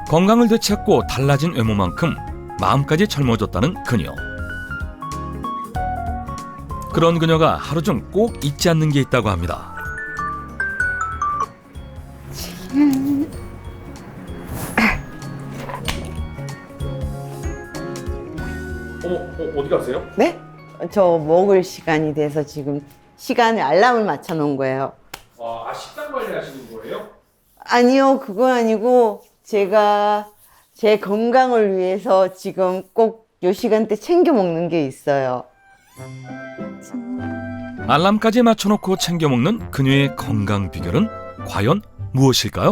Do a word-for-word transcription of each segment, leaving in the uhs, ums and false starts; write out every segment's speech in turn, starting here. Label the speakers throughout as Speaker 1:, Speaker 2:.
Speaker 1: 건강을 되찾고 달라진 외모만큼 마음까지 젊어졌다는 그녀. 그런 그녀가 하루 중 꼭 잊지 않는 게 있다고 합니다.
Speaker 2: 어머, 어, 어디 가세요?
Speaker 3: 네? 저 먹을 시간이 돼서 지금 시간에 알람을 맞춰 놓은 거예요.
Speaker 2: 아, 식단 관리하시는 거예요?
Speaker 3: 아니요, 그거 아니고 제가 제 건강을 위해서 지금 꼭 요 시간대 챙겨 먹는 게 있어요.
Speaker 1: 알람까지 맞춰놓고 챙겨 먹는 그녀의 건강 비결은 과연 무엇일까요?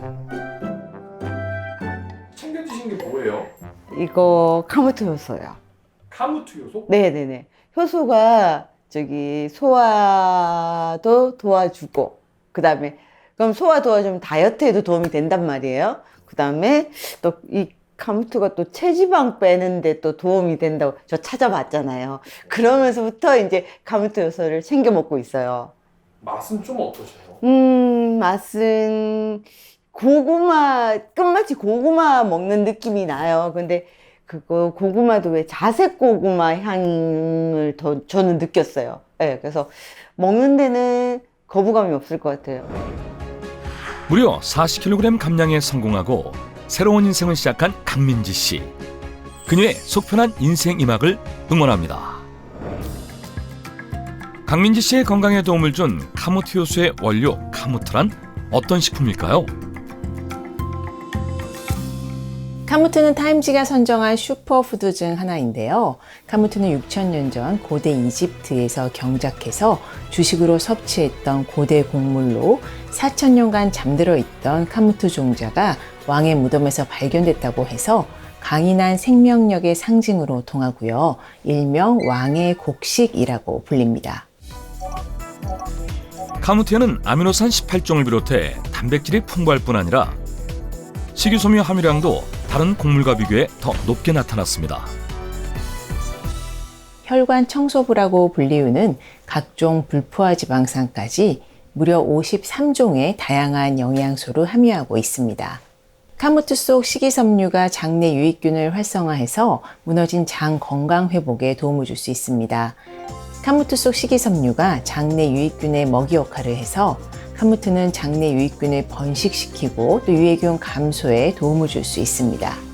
Speaker 2: 챙겨 드시는 게 뭐예요?
Speaker 3: 이거 카모트 효소요.
Speaker 2: 카무트 요소?
Speaker 3: 네네네. 효소가 저기 소화도 도와주고, 그 다음에 그럼 소화 도와주면 다이어트에도 도움이 된단 말이에요. 그 다음에 또 이 카무트가 또 체지방 빼는데 또 도움이 된다고 저 찾아봤잖아요. 그러면서부터 이제 카무트 효소를 챙겨 먹고 있어요.
Speaker 2: 맛은 좀 어떠세요?
Speaker 3: 음, 맛은 고구마, 끝마치 고구마 먹는 느낌이 나요. 근데 그거 고구마도 왜 자색 고구마 향을 더 저는 느꼈어요. 네, 그래서 먹는 데는 거부감이 없을 것 같아요.
Speaker 1: 무려 사십 킬로그램 감량에 성공하고 새로운 인생을 시작한 강민지 씨. 그녀의 속편한 인생 이막을 응원합니다. 강민지 씨의 건강에 도움을 준 카무트 효소의 원료 카무트란 어떤 식품일까요?
Speaker 4: 카무트는 타임지가 선정한 슈퍼푸드 중 하나인데요. 카무트는 육천 년 전 고대 이집트에서 경작해서 주식으로 섭취했던 고대 곡물로 사천 년간 잠들어 있던 카무트 종자가 왕의 무덤에서 발견됐다고 해서 강인한 생명력의 상징으로 통하고요. 일명 왕의 곡식이라고 불립니다.
Speaker 1: 카무트에는 아미노산 십팔 종을 비롯해 단백질이 풍부할 뿐 아니라 식이섬유 함유량도 다른 곡물과 비교해 더 높게 나타났습니다.
Speaker 4: 혈관 청소부라고 불리우는 각종 불포화 지방산까지 무려 오십삼 종의 다양한 영양소를 함유하고 있습니다. 카무트 속 식이섬유가 장내 유익균을 활성화해서 무너진 장 건강 회복에 도움을 줄 수 있습니다. 카무트 속 식이섬유가 장내 유익균의 먹이 역할을 해서 카무트는 장내 유익균을 번식시키고 또 유해균 감소에 도움을 줄 수 있습니다.